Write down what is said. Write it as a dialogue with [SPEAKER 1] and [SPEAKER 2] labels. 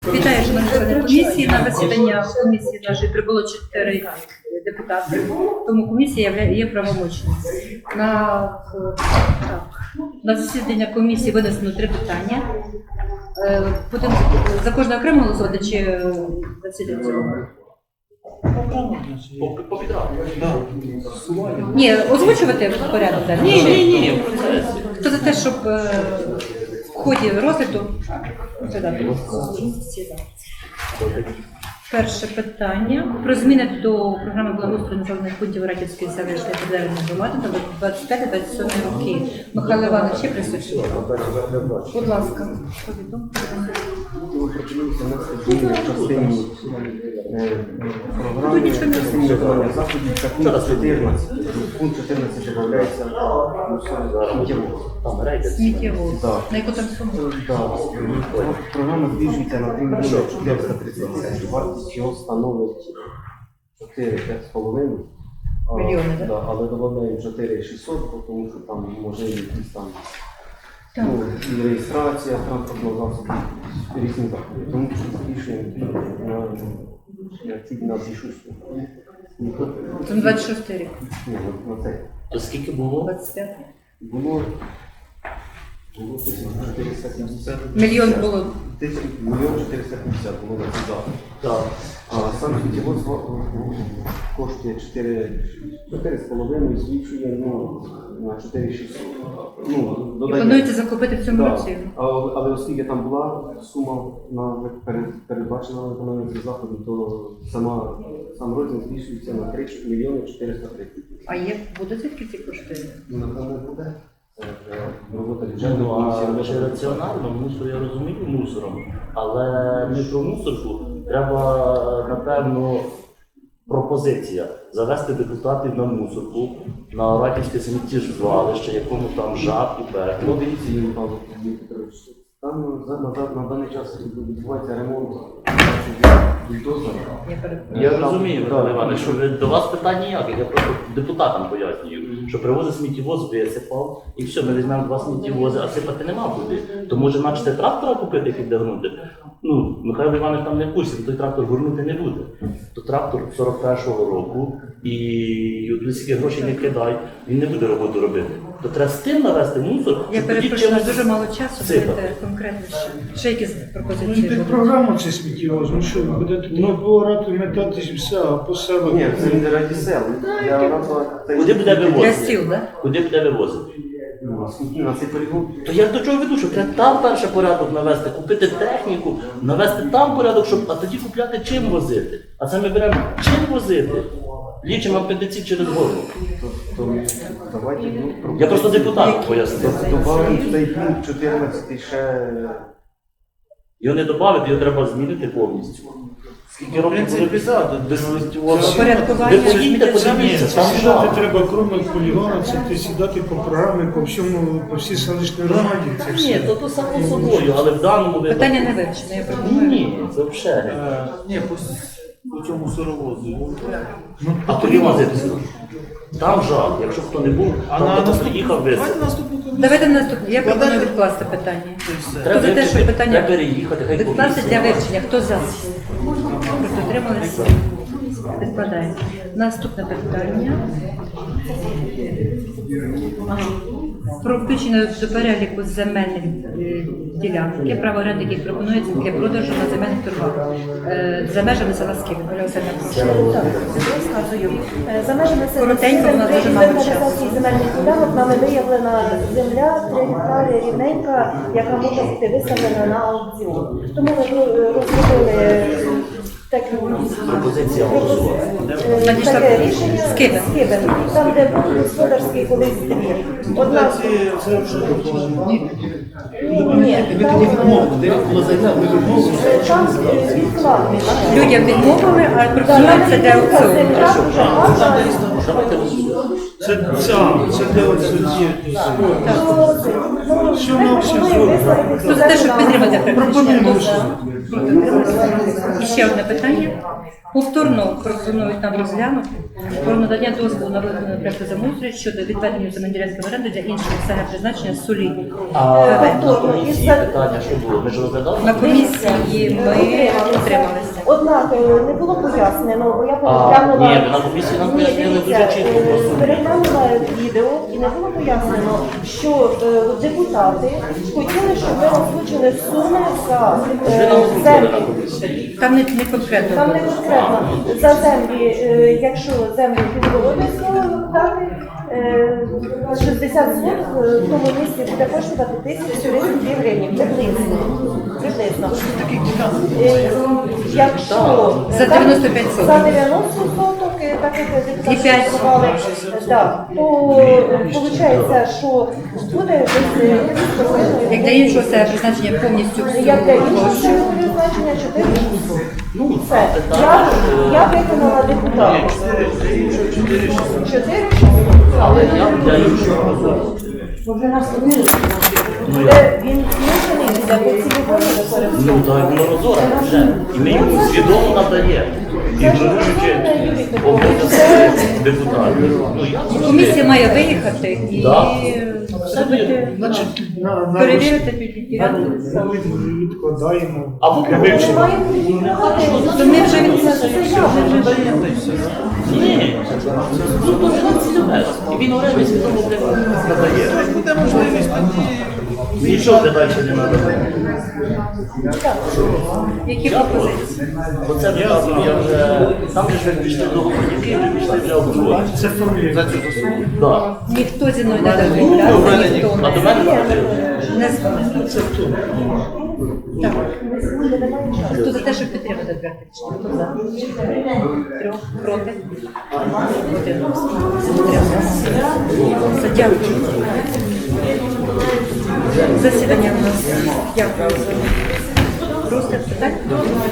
[SPEAKER 1] Вітаю, шановні члени комісії. На засідання комісії нашої прибуло 4 депутати, тому комісія є правомочною. На засідання комісії винесено 3 питання. Будемо за кожне окремо голосувати чи засідання цього? Ні, озвучувати порядок. Ні. Хто за те, щоб в ході розгляду перше питання про зміни до програми благоустрою населених пунктів Раківської селищної територіальної громади на 25-27 роки. Михайло Іванович, є присутній? Будь ласка, повідомте.
[SPEAKER 2] Пропонується внести зміни в частині програми частині виконання заходів та пункт 14. Пункт 14 додається
[SPEAKER 1] сміттєвоз. На яку там суму?
[SPEAKER 2] Програма збільшується на 3 мільйони 430 тисяч. Вартість його становить 4-5,5
[SPEAKER 1] мільйони, так?
[SPEAKER 2] Але додаємо 4,600, тому що там може якісь там і реєстрація транспортного засобу, різні заходи. Тому що збільшуємо на більшу суму.
[SPEAKER 1] Це 26 рік.
[SPEAKER 2] Ні, на це.
[SPEAKER 3] То скільки було?
[SPEAKER 1] 25.
[SPEAKER 2] Було 470.
[SPEAKER 1] Мільйон було.
[SPEAKER 2] 1 мільйон 450 було на цей захід.
[SPEAKER 3] Так.
[SPEAKER 2] А сам сміттєвоз коштує 4,5 і збільшує на 4,600.
[SPEAKER 1] І плануєте закупити в цьому році?
[SPEAKER 2] Але оскільки там була сума передбачена на виконання цих заходів, то сам розмір збільшується на 3 мільйони 430 тисяч.
[SPEAKER 1] А буде звідки ці кошти?
[SPEAKER 2] Напевно, буде. Робота
[SPEAKER 3] А
[SPEAKER 2] бюджетної
[SPEAKER 3] чи раціонально мусор, я розумію мусором, але не про мусорку треба, напевно, пропозиція завести депутатів на мусорку, на Раківське сміттєзвалище, якому там жаб і пекло.
[SPEAKER 2] Дивіться, Юрій Петрович, там на даний час відбувається ремонт бульдозера.
[SPEAKER 3] Я розумію, Михайло Іванович, що до вас питань ніяких, я просто депутатам пояснюю, що привозить сміттєвоз, висипав, і все, ми візьмемо 2 сміттєвози, а сипати нема куди. То може начати трактора купити, який буде гнути? Михайло Іванович там не в курсі, той трактор горнути не буде. То трактор 41-го року, і скільки грошей не кидай, він не буде роботу робити. То треба з тим навести мусор.
[SPEAKER 1] Я перепрошую, у нас дуже мало часу, давайте конкретніше. Ще якісь пропозиції?
[SPEAKER 4] Під програму це сміттєвоз, що буде тут оборати, метатись все, а по селах.
[SPEAKER 2] Ні, це не раді сел.
[SPEAKER 3] Куди буде
[SPEAKER 1] Для
[SPEAKER 3] вивозити?
[SPEAKER 1] стіл, так?
[SPEAKER 3] Куди буде вивозити?
[SPEAKER 2] На цей полігон.
[SPEAKER 3] То я ж до чого веду, що треба там перше порядок навести, купити техніку, навести там порядок, а тоді купляти чим возити. А це ми беремо чим возити. Лічимо апендицит через горло. Я просто депутат пояснив.
[SPEAKER 2] Добавимо цей пункт 14 ще.
[SPEAKER 3] Його не додати, його треба змінити повністю. Скільки років буде
[SPEAKER 1] Порядкування.
[SPEAKER 3] Ви поїдьте, подивіться, там
[SPEAKER 4] Сідати
[SPEAKER 3] жах.
[SPEAKER 4] треба кроме полігона, це ти сідати по програмі, по всій селищній громаді. Це
[SPEAKER 3] Ні,
[SPEAKER 4] все.
[SPEAKER 3] то само собою, але в даному випадку...
[SPEAKER 1] Питання не вивчене, я пропоную.
[SPEAKER 3] Ні, це взагалі.
[SPEAKER 5] Ні, по цьому сировозу.
[SPEAKER 3] А тоді возитися. Там жах, якщо хто не був, там хто приїхав висити.
[SPEAKER 5] Давайте наступну комісію.
[SPEAKER 1] Давайте наступне. Я пропоную відкласти питання.
[SPEAKER 3] Треба
[SPEAKER 1] Хто за те, що питання
[SPEAKER 3] треба переїхати, хай
[SPEAKER 1] відкласти
[SPEAKER 3] комісія.
[SPEAKER 1] для вивчення? Хто за? Проти утрималися? Відкладаємо. Наступне питання. Про включення до переліку земельних ділянок, право оренди, яких пропонується для продажу на земельних торгах за межами села Скибин. Оля Васильівна.
[SPEAKER 6] Так, розказую. За межами
[SPEAKER 1] Коротенько, у нас дуже мало часу.
[SPEAKER 6] інвентаризації земельних ділянок нами виявлена земля 3 гектари рівненька, яка може бути виставлена на аукціон. Тому ми розробили
[SPEAKER 3] Пропозиція голосувати.
[SPEAKER 6] таке рішення
[SPEAKER 1] Скибин.
[SPEAKER 6] Там, де був господарський колись двір. Одна
[SPEAKER 5] Це вже
[SPEAKER 6] ні, там відкладно.
[SPEAKER 1] Людям відмовили, а пропонується для аукціону.
[SPEAKER 3] Давайте голосувати.
[SPEAKER 4] Це де оце ці. Що на всі
[SPEAKER 1] Хто за те, щоб підтримати
[SPEAKER 4] пропонуємо.
[SPEAKER 1] практичне? І ще одне питання. Повторно пропонують нам розглянути про надання дозволу на виконання проекту землеустрою щодо відведення земельної оренди для іншого місцевого призначення солі.
[SPEAKER 3] А на комісії питання, що було? Ми ж розглядали?
[SPEAKER 1] На комісії ми утрималися.
[SPEAKER 6] Однак не було пояснено, бо я
[SPEAKER 3] Ні,
[SPEAKER 6] переглянула.
[SPEAKER 3] на комісії нам
[SPEAKER 6] Ні,
[SPEAKER 3] пояснили дуже
[SPEAKER 6] дивіться,
[SPEAKER 3] чітко. Просто.
[SPEAKER 6] переглянула відео і не було пояснено, що депутати хотіли, щоб ми озвучили суми за
[SPEAKER 3] Ви нам озвучили на
[SPEAKER 6] землі.
[SPEAKER 3] комісії.
[SPEAKER 1] Там не конкретно.
[SPEAKER 6] Там не конкретно за землі, якщо землю підводиться дати 60 соток в тому місці буде коштувати 1032 гривні. Приблизно. Якщо
[SPEAKER 1] За 95 соток.
[SPEAKER 6] за 90 соток, так як
[SPEAKER 1] І
[SPEAKER 6] депутати
[SPEAKER 1] п'ять.
[SPEAKER 6] сказали, так, то виходить, що буде десь
[SPEAKER 1] Як для іншого це призначення повністю всю
[SPEAKER 6] як для іншого
[SPEAKER 1] площу.
[SPEAKER 6] призначення 4
[SPEAKER 3] Ну,
[SPEAKER 6] Все. Я виконала депутата. 4
[SPEAKER 3] але я для іншого розумію.
[SPEAKER 6] Він змушений буде по цілому використовувати.
[SPEAKER 3] Ну, так, воно розоре вже. І ми йому свідомо надаємо. Ігноруючи обов'язки депутатів. Ну, я
[SPEAKER 1] Комісія має виїхати і
[SPEAKER 3] Да.
[SPEAKER 1] зробити,
[SPEAKER 4] Значить, на
[SPEAKER 1] перевірити ділянку.
[SPEAKER 4] відкладаємо.
[SPEAKER 3] Або
[SPEAKER 4] для вивчення.
[SPEAKER 1] То ми вже від
[SPEAKER 3] Ні, ну то він цілюбець. І він оренди свідомо надає.
[SPEAKER 5] Буде можливість тоді.
[SPEAKER 3] Нічого далі не надає.
[SPEAKER 1] які пропозиції.
[SPEAKER 3] Бо це виказую, я вже... Там же ж ви пішли до Гопонівки, ви пішли вже обговорювати.
[SPEAKER 4] Це фамілія.
[SPEAKER 3] Так.
[SPEAKER 1] Ніхто зі мною не домовлявся, ніхто
[SPEAKER 3] А до мене
[SPEAKER 1] не дзвонив. Так. Хто за те, щоб підтримати проект рішення? Хто за? Трьох проти? Один. Утримався. Дякую. Засідання у нас. Дякую за розгляд питань.